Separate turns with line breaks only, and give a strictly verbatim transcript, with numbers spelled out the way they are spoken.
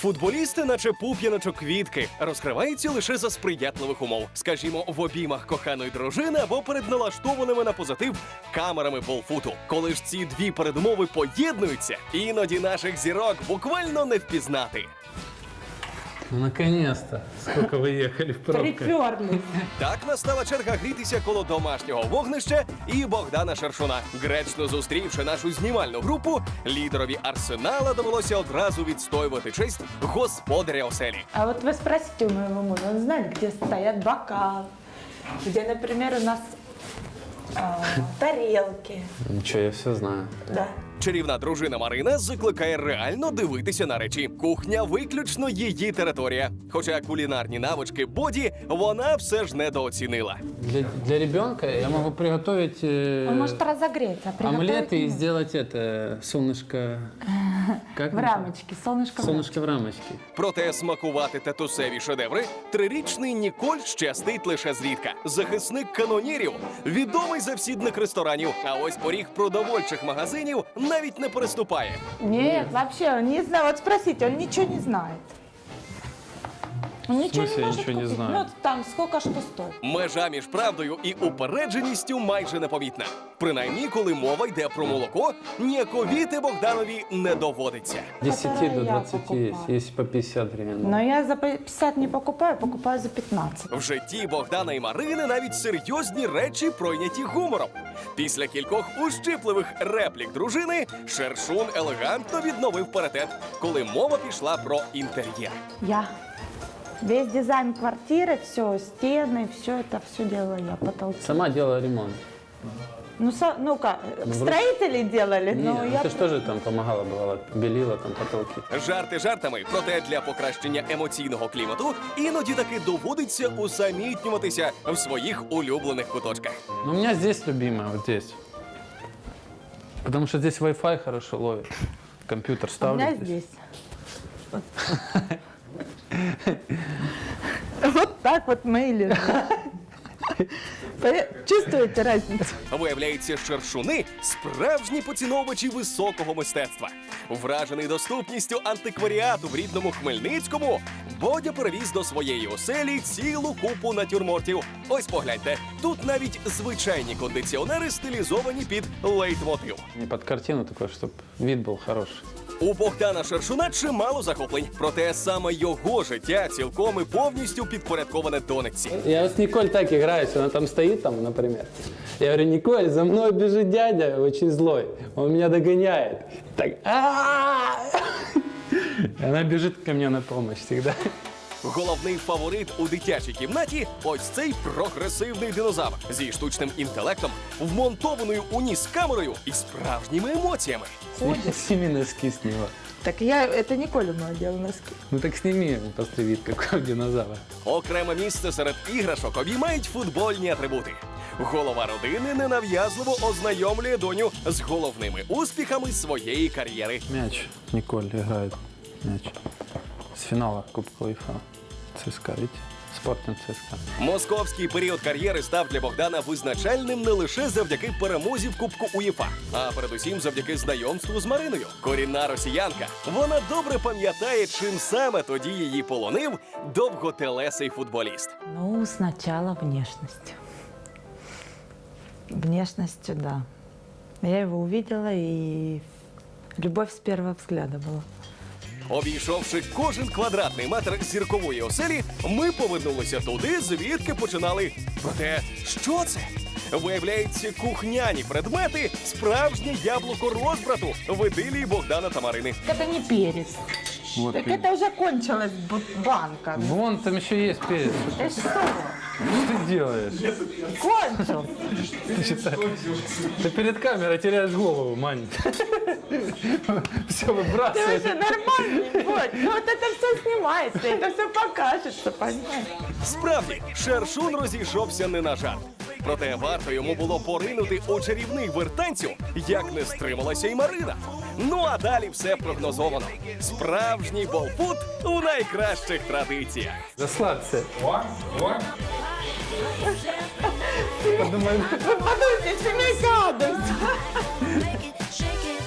Футболісти, наче пуп'яночок квітки, розкриваються лише за сприятливих умов. Скажімо, в обіймах коханої дружини або перед налаштованими на позитив камерами полфуту. Коли ж ці дві передумови поєднуються, іноді наших зірок буквально не впізнати.
Ну, наконец-то! Сколько вы ехали в пробках.
Приперлись.
Так настала черга грітися коло домашнього вогнища і Богдана Шершуна. Гречно зустрівши нашу знімальну групу, лідерові Арсенала довелося одразу відстоювати честь господаря оселі.
А вот вы спросите у моего мужа, он знает, где стоят бокалы, где, например, у нас а, тарелки.
Ничего, я все знаю.
Да.
Чарівна дружина Марина закликає реально дивитися на речі. Кухня виключно її територія. Хоча кулінарні навички Боді вона все ж недооцінила.
Для, для ребенка я могу приготовить э,
Он может разогреться, а
омлеты
приготовить
и
не
сделать это, солнышко... Как
в
это?
рамочке, солнышко в рамочке.
Солнышко в рамочке.
Проте смакувати татусеві шедеври трирічний Ніколь щастить лише зрідка. Захисник канонірів, відомий завсідник ресторанів, а ось поріг продовольчих магазинів навіть не переступає.
Нет, вообще, он не знает. Вот спросите, он ничего не знает. Он ничего
смысле
не может
ничего не
купить.
знает?
Ну, там сколько что стоит.
Межа між правдою і упередженістю майже непомітна. Принаймні, коли мова йде про молоко, ніяковіти Богданові не доводиться.
десять
Которое
до
я
двадцати
покупаю.
есть, есть по пятьдесят гривен.
Но я за пятьдесят не покупаю, покупаю за пятнадцать.
В житті Богдана і Марини навіть серйозні речі пройняті гумором. Після кількох ущипливих реплік дружини Шершун елегантно відновив паритет, коли мова пішла про інтер'єр.
Я. Весь дизайн квартиры, все, стены, все это, все делала я, потолки.
Сама делала ремонт.
Ну, со- ну-ка,
Ну,
строители делали, но
Не, ну
я...
ты же тоже там помогала, бывало, белила там потолки.
Жарти жартами, проте для покращення емоційного клімату іноді таки доводиться усамітнюватися в своїх улюблених куточках.
Но у меня здесь любимая, вот здесь. Потому что здесь Wi-Fi хорошо ловит. Компьютер
У
ставлю.
меня здесь. Вот. Вот так вот мы и лежим. Поня- Чувствуете разницу?
Виявляється, шершуни – справжні поціновувачі високого мистецтва. Вражений доступністю антикваріату в рідному Хмельницькому, Бодя перевіз до своєї оселі цілу купу натюрмортів. Ось погляньте, тут навіть звичайні кондиціонери стилізовані під лейтмотив.
Не под картину такой, чтобы вид был хороший.
У Богдана Шершуна чимало захоплень, проте саме його життя цілком і повністю підпорядковане донечці.
Я вот с Николь так играюсь, она там стоит, там, например. Я говорю, Николь, за мной бежит дядя, очень злой. Он меня догоняет. Так, «А-а-а!» И она бежит ко мне на помощь всегда.
Головний фаворит у дитячій кімнаті – ось цей прогресивний динозавр зі штучним інтелектом, вмонтованою у ніс камерою і справжніми емоціями.
Сними носки с него.
Так я, это не Коля моя делала носки.
Ну так сними, посмотри, вид какой у динозавра.
Окреме місце серед іграшок обіймають футбольні атрибути. Голова родини ненав'язливо ознайомлює доню з головними успіхами своєї кар'єри.
Мяч. Николь играет мяч. С финала Кубка УЕФА. ЦСКА, видите? Спортинг ЦСКА.
Московський період кар'єри став для Богдана визначальним не лише завдяки перемозі в Кубку УЄФА, а передусім завдяки знайомству з Мариною. Корінна росіянка. Вона добре пам'ятає, чим саме тоді її полонив довготелесий футболіст.
Ну, сначала внешностью. Внешностью, да. Я его увидела, и любовь с первого взгляда была.
Обійшовши кожен квадратний метр зіркової оселі, ми повернулися туди, звідки починали. Проте, що це? Виявляється, кухняні предмети – справжнє яблуко розбрату в ідилії Богдана та Марини.
Это не перец.
Вот
Так
перец.
это уже кончилась бу- банка.
Вон там еще есть перец.
Ты что?
Что ты делаешь?
Кончил.
Ты, что-то- ты перед камерой теряешь голову, Мань. Все
Ты
выбрасываешь.
уже нормальный, вот. Ну вот это все снимается, это все покажется, понимаешь?
Справді, Шершун розійшовся не на жарт. Проте варто йому було поринути у чарівний вертанцю, як не стрималася й Марина. Ну а далі все прогнозовано. Справжній болфут у найкращих традиціях.
Расслабься. Подумай.
Вы подумайте, семейка Адамс.
Make it, shake it.